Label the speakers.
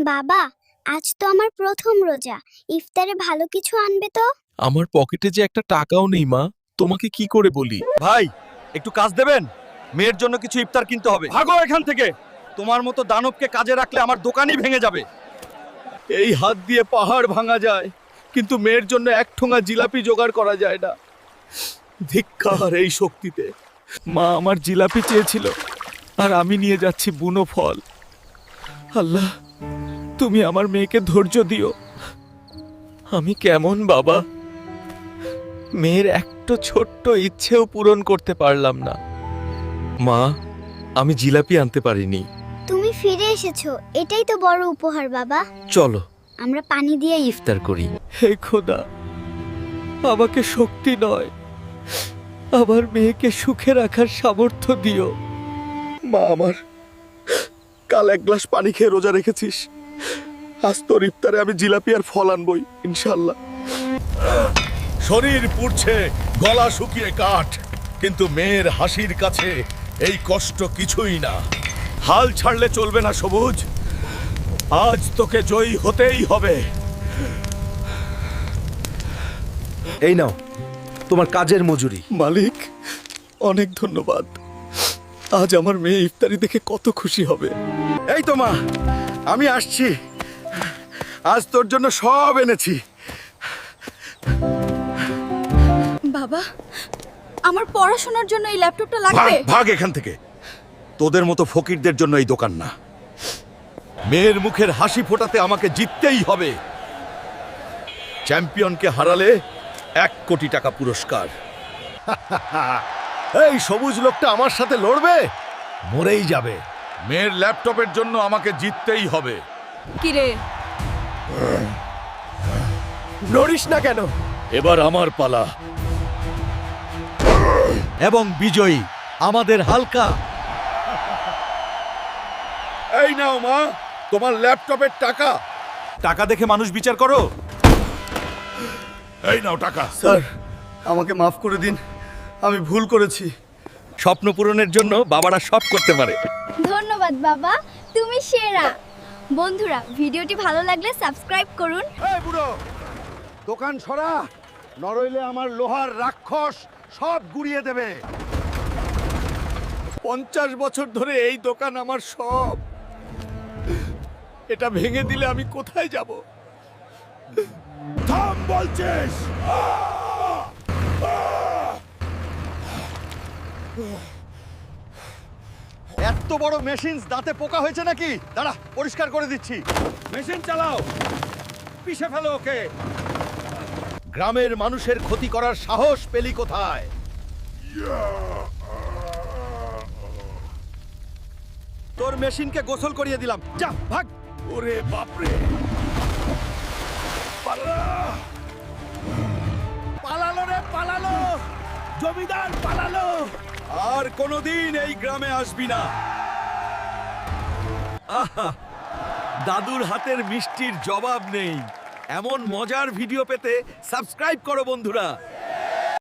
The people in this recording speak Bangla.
Speaker 1: বাবা, আজ তো আমার প্রথম রোজা। ইফতারে ভালো কিছু আনবে তো?
Speaker 2: আমার পকেটে যে একটা টাকাও নেই মা, তোমাকে কি করে বলি?
Speaker 3: ভাই একটু কাজ দেবেন, মেয়ের জন্য কিছু ইফতার কিনতে হবে। ভাগো এখান থেকে, তোমার মতো দানবকে কাজে রাখলে আমার দোকানই ভেঙে যাবে।
Speaker 2: এই হাত দিয়ে পাহাড় ভাঙা যায়, কিন্তু মেয়ের জন্য এক ঠোঙা জিলাপি জোগাড় করা যায় না। ধিক্কার এই শক্তিতে। মা আমার জিলাপি চেয়েছিল, আর আমি নিয়ে যাচ্ছি বুনো ফল। আল্লাহ, তুমি আমার মেয়েকে ধৈর্য দিও। আমি কেমন বাবা, মেয়ের একটা ছোট্ট ইচ্ছেও পূরণ করতে পারলাম না। মা, আমি জিলাপি আনতে পারিনি।
Speaker 1: তুমি ফিরে এসেছো, এটাই তো বড় উপহার বাবা।
Speaker 2: চলো
Speaker 1: আমরা পানি দিয়ে
Speaker 2: ইফতার করি। হে খোদা, আমাকে শক্তি নয়, আমার মেয়েকে সুখে রাখার সামর্থ্য দিও। মা আমার, কাল এক গ্লাস পানি খেয়ে রোজা রেখেছিস, আজ তোর ইফতারে আমি জিলাপি আর ফল আনবই ইনশাল্লাহ।
Speaker 4: শরীর পুড়ছে, গলা শুকিয়ে কাঠ, কিন্তু মেয়ের হাসির কাছে এই কষ্ট কিছুই না। হাল ছাড়লে চলবে না সবুজ, আজ তোকে জয়ী হতেই হবে।
Speaker 3: এই নাও তোমার কাজের মজুরি।
Speaker 2: মালিক, অনেক ধন্যবাদ। আজ আমার মেয়ে ইফতারি দেখে কত খুশি হবে।
Speaker 3: এই তো মা, আমি আসছি, আজ তোর জন্য সব এনেছি।
Speaker 5: বাবা, আমার পড়াশোনার জন্য এই ল্যাপটপটা
Speaker 4: ভাগ
Speaker 5: লাগবে।
Speaker 4: ভাগ এখান থেকে, তোদের মতো ফকিরদের জন্য এই দোকান না। মেয়ের মুখের হাসি ফোটাতে আমাকে জিততেই হবে। চ্যাম্পিয়নকে হারালে 1 কোটি টাকা পুরস্কার। এই সবুজ লোকটা আমার সাথে লড়বে, মরেই যাবে। মেয়ের ল্যাপটপের জন্য আমাকে জিততেই হবে।
Speaker 5: কি রে,
Speaker 2: নড়িস না কেন?
Speaker 4: এবার আমার পালা।
Speaker 3: এবং বিজয়ী আমাদের হালকা।
Speaker 4: এই নাও মা, তোমার ল্যাপটপের টাকা।
Speaker 3: টাকা দেখে মানুষ বিচার করো।
Speaker 4: এই নাও টাকা।
Speaker 2: স্যার, আমাকে মাফ করে দিন, আমি ভুল করেছি।
Speaker 3: স্বপ্ন পূরণের জন্য বাবারা সব করতে পারে।
Speaker 1: ধন্যবাদ বাবা, তুমি সেরা। বন্ধুরা, ভিডিওটি ভালো লাগলে সাবস্ক্রাইব করুন।
Speaker 4: এই বুড়ো, দোকান সরা, নরইলে আমার লোহার রাক্ষস সব গুড়িয়ে দেবে।
Speaker 2: 50 বছর ধরে এই দোকান আমার সব। এটা ভেঙে দিলে আমি কোথায় যাব?
Speaker 4: থাম বলছিস।
Speaker 3: এত বড় মেশিন দাঁতে পোকা হয়েছে নাকি? দাঁড়া, পরিষ্কার করে দিচ্ছি। মেশিন চালাও, পিষে ফেলো ওকে।
Speaker 4: গ্রামের মানুষের ক্ষতি করার সাহস পেলি কোথায়?
Speaker 3: তোর মেশিনকে গোসল করিয়ে দিলাম, যা ভাগ।
Speaker 4: ওরে বাপরে,
Speaker 3: পালালো রে, পালালো, জমিদার পালালো। আর কোনোদিন এই গ্রামে আসবি না। আহা, দাদুর হাতের মিষ্টির জবাব নেই। এমন মজার ভিডিও পেতে সাবস্ক্রাইব করো বন্ধুরা।